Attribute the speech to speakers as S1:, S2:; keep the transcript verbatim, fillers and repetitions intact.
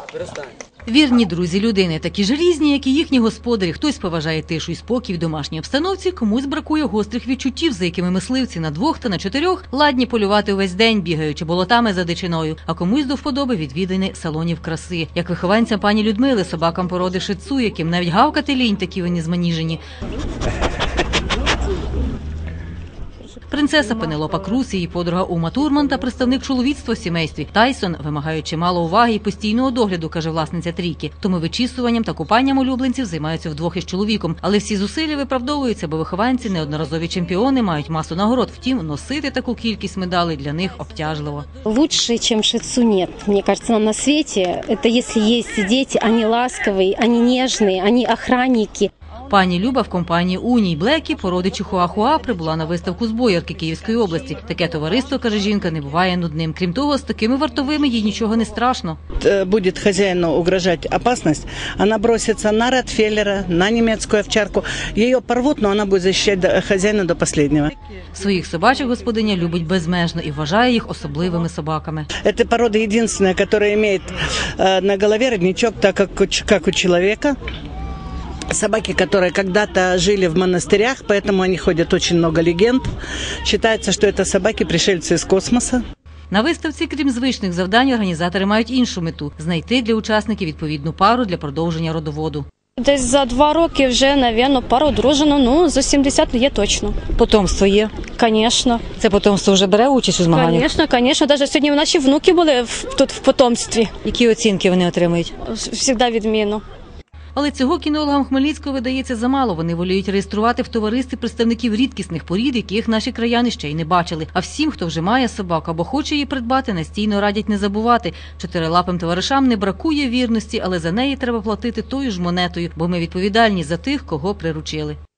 S1: Вірні друзі людини такі ж різні, як і їхні господарі. Хтось поважає тишу і спокій в домашній обстановці, комусь бракує гострих відчуттів, за якими мисливці на двох та на чотирьох ладні полювати увесь день, бігаючи болотами за дичиною, а комусь до вподоби відвідини салонів краси. Як вихованцям пані Людмили, собакам породи шицу, яким навіть гавкати лінь, такі вони зманіжені. Принцеса Пенелопа Крус, її подруга Ума Турман та представник чоловіцтва в сімействі Тайсон вимагають чимало уваги і постійного догляду, каже власниця трійки. Тому вичісуванням та купанням улюбленців займаються вдвох із чоловіком. Але всі зусилля виправдовуються, бо вихованці неодноразові чемпіони, мають масу нагород. Втім, носити таку кількість медалей для них обтяжливо.
S2: Лучше, чем шицу, нет. Мне кажется, нам на свете. Это если есть дети, они ласковые, они нежные, они охранники.
S1: Пані Люба в компанії Уній Блекі, породи Чихуахуа, прибула на виставку з Боярки Київської області. Таке товариство, каже жінка, не буває нудним. Крім того, з такими вартовими їй нічого не страшно.
S3: Будет хозяину угрожать опасность, она бросится на ротвейлера, на немецкую овчарку. Ее порвут, но она будет защищать хозяина до последнего.
S1: Своїх собачок господиня любить безмежно і вважає їх особливими собаками.
S3: Эта порода единственная, которая имеет на голове родничок, так как, как у человека. Собаки, которые когда-то жили в монастырях, поэтому они ходят очень много легенд. Считается, что это собаки-пришельцы из космоса.
S1: На виставці, крім звичних завдань, організатори мають іншу мету – знайти для учасників відповідну пару для продовження родоводу.
S2: Десь за два роки вже, мабуть, пару одружено, ну, за сімдесят є точно.
S1: Потомство є?
S2: Звісно.
S1: Це потомство вже бере участь у змаганнях?
S2: Звісно, звісно. Навіть сьогодні наші внуки були тут в потомстві.
S1: Які оцінки вони отримують?
S2: Завжди відмінно.
S1: Але цього кінологам Хмельницького видається замало. Вони воліють реєструвати в товаристві представників рідкісних порід, яких наші краяни ще й не бачили. А всім, хто вже має собаку або хоче її придбати, настійно радять не забувати. Чотирилапим товаришам не бракує вірності, але за неї треба платити тою ж монетою, бо ми відповідальні за тих, кого приручили.